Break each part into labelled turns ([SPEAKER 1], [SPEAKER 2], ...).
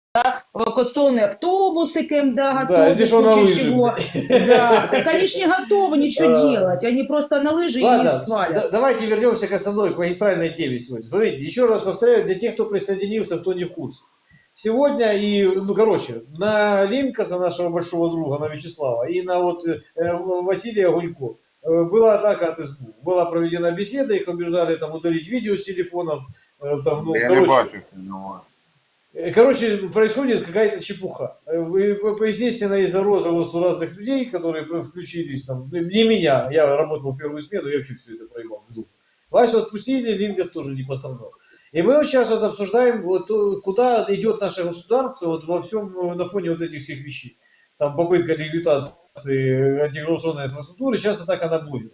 [SPEAKER 1] эвакуационные автобусы КМДА
[SPEAKER 2] Да,
[SPEAKER 1] готовы,
[SPEAKER 2] здесь
[SPEAKER 1] в
[SPEAKER 2] он на
[SPEAKER 1] случае
[SPEAKER 2] лыжи.
[SPEAKER 1] чего. Да, так они ж не готовы ничего делать, они просто на лыжи и
[SPEAKER 2] Ладно,
[SPEAKER 1] свалят.
[SPEAKER 2] давайте вернемся к основной, к магистральной теме сегодня. Смотрите, еще раз повторяю, для тех, кто присоединился, кто не в курсе. Сегодня на Линкаса, нашего большого друга, на Вячеслава, и на Василия Гулько была атака от СБУ. Была проведена беседа, их убеждали там удалить видео с телефонов. Короче, происходит какая-то чепуха. Естественно, из-за розыгрыша у разных людей, которые включились, там, не меня, я работал в первую смену, я вообще все это проебал. Васю отпустили, Лингас тоже не пострадал. И мы сейчас обсуждаем, куда идет наше государство во всем, на фоне этих всех вещей. Там попытка ликвидации антикоррупционной инфраструктуры, сейчас атака на блогеров.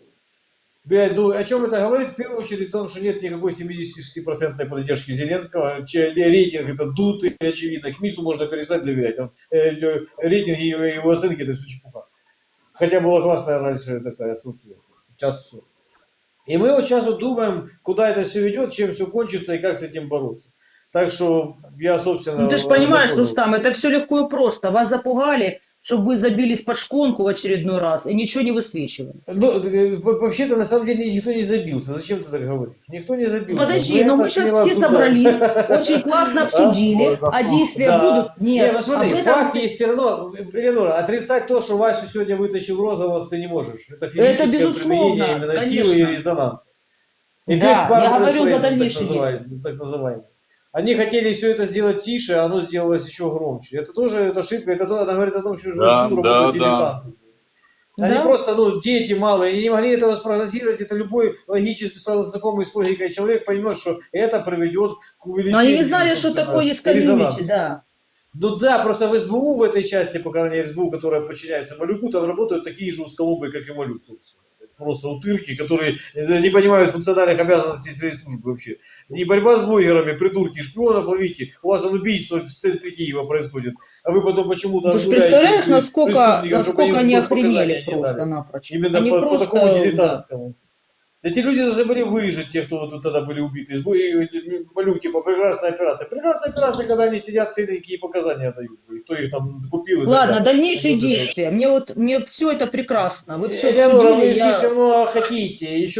[SPEAKER 2] О чем это говорит? В первую очередь о том, что нет никакой 70% поддержки Зеленского. Рейтинг это дутый, очевидно. К МИСу можно перестать доверять. Рейтинги и его оценки это все чепуха. Хотя была классная раньше такая структура. Сейчас все. И мы сейчас думаем, куда это все ведет, чем все кончится и как с этим бороться. Так что я, собственно...
[SPEAKER 1] Ну ты же понимаешь, Рустам, это все легко и просто. Вас запугали, чтобы вы забились под шконку в очередной раз и ничего не высвечивали.
[SPEAKER 2] Вообще-то, на самом деле, никто не забился. Зачем ты так говоришь? Никто не забился.
[SPEAKER 1] Подожди, но мы сейчас все собрались, очень классно обсудили, а действия будут...
[SPEAKER 2] Нет, ну смотри, факт есть все равно. Эленора, отрицать то, что Васю сегодня вытащил розовоз, ты не можешь. Это физическое применение именно силы и резонанса. Эффект Барбары, так называемый. Они хотели все это сделать тише, а оно сделалось еще громче. Это тоже ошибка, она говорит о том, что уже работают дилетанты. Они просто, дети малые, они не могли этого спрогнозировать. Это любой логически знакомый с логикой человек поймет, что это приведет к увеличению.
[SPEAKER 1] Но они не знали, что такое есть комьюнити, да.
[SPEAKER 2] Ну да, просто в СБУ, в этой части, по крайней мере, СБУ, которая подчиняется Малюку, там работают такие же узколобые, как и Малюк, собственно. Просто утырки, которые не понимают функциональных обязанностей своей службы вообще. Не борьба с блогерами, придурки, шпионов ловите. У вас убийство в центре Киева происходит. А вы потом почему-то...
[SPEAKER 1] Ты же представляешь, насколько они охренели просто-напрочь.
[SPEAKER 2] Именно по такому дилетантскому. Эти люди должны были выжить, те, кто тут тогда были убиты. Малюк, типа, прекрасная операция. Прекрасная операция, когда они сидят целенькие и показания дают. Кто их там купил.
[SPEAKER 1] Ладно, дальнейшие действия. Мне все это прекрасно. Вы все
[SPEAKER 2] Элеонора, вы слишком много хотите. Еще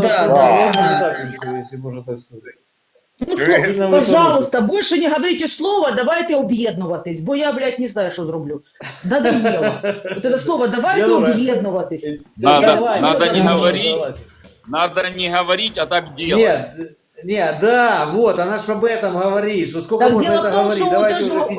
[SPEAKER 2] если можно так сказать.
[SPEAKER 1] Ну, пожалуйста, больше не говорите слово, давайте об'єднуватись, бо я, блядь, не знаю, що зроблю. Надоело. Вот это слово «давайте об'єднуватись».
[SPEAKER 3] Надо не говорить, а так делать.
[SPEAKER 2] Нет, да, вот, она же об этом говорит, что сколько
[SPEAKER 1] так
[SPEAKER 2] можно это говорить, давайте уже